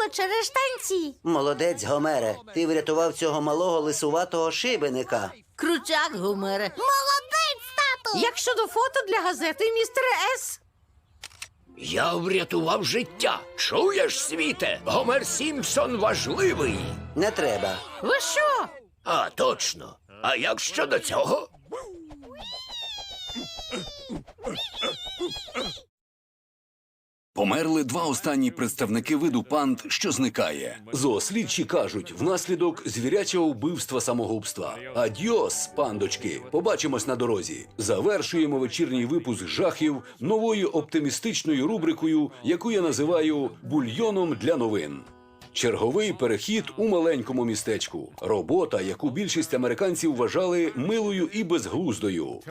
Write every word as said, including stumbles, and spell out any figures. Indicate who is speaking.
Speaker 1: було через штанці.
Speaker 2: Молодець, Гомере. Ти врятував цього малого лисуватого шибеника.
Speaker 1: Крутяк, Гомере. Молодець, тату!
Speaker 3: Як щодо фото для газети, містере С?
Speaker 4: Я врятував життя. Чуєш, світе? Гомер Сімпсон важливий.
Speaker 2: Не треба.
Speaker 3: Ви що?
Speaker 4: А, точно. А як щодо цього?
Speaker 5: Померли два останні представники виду панд, що зникає.
Speaker 6: Зоослідчі кажуть, внаслідок звірячого вбивства-самогубства. Адьос, пандочки, побачимось на дорозі. Завершуємо вечірній випуск жахів новою оптимістичною рубрикою, яку я називаю «Бульйоном для новин». Черговий перехід у маленькому містечку. Робота, яку більшість американців вважали милою і безглуздою.